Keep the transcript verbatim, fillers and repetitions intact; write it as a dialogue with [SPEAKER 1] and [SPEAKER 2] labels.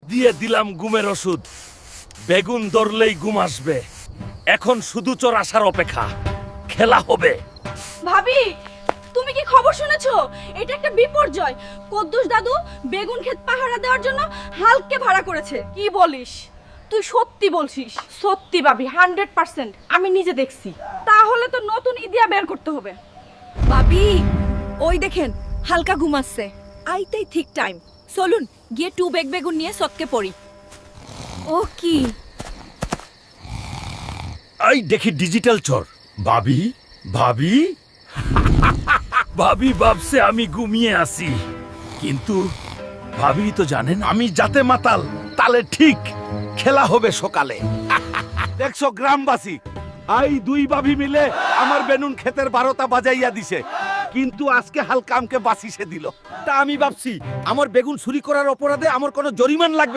[SPEAKER 1] দিয়ে দিলাম ঘুমের ওষুধ। বেগুন ধরলেই ঘুম আসবে। এখন শুধু চোর আসার অপেক্ষা। খেলা হবে।
[SPEAKER 2] ভাবি, তুমি কি খবর শুনেছো? এটা একটা বিপর্যয়। কদ্দুস দাদু বেগুন ক্ষেত পাহারা দেওয়ার জন্য হালকে ভাড়া করেছে। কি বলিস? তুই সত্যি বলছিস? সত্যি ভাবি, হান্ড্রেড পার্সেন্ট আমি নিজে দেখছি। তাহলে তো নতুন ইদিয়া বের করতে হবে। ভাবি, ওই দেখেন হালকা ঘুমাচ্ছে। আইতেই ঠিক টাইম। চলুন গিয়ে টু বেগ বেগুন নিয়ে সৎকে পড়ি। ও কি?
[SPEAKER 1] এই দেখি ডিজিটাল চোর। ভাবি, ভাবি ভাবি ভাবছে আমি ঘুমিয়ে আছি, কিন্তু ভাবি তো জানেন আমি যাতে মাতাল তালে ঠিক। খেলা হবে সকালে। দেখছো গ্রামবাসী, আই দুই ভাবি মিলে আমার বেনুন ক্ষেতের বারোটা বাজাইয়া দিছে, কিন্তু আজকে হালকা আমকে বাঁচিয়ে দিল। তা আমি ভাবছি আমার বেগুন চুরি করার অপরাধে আমার কোনো জরিমান লাগবে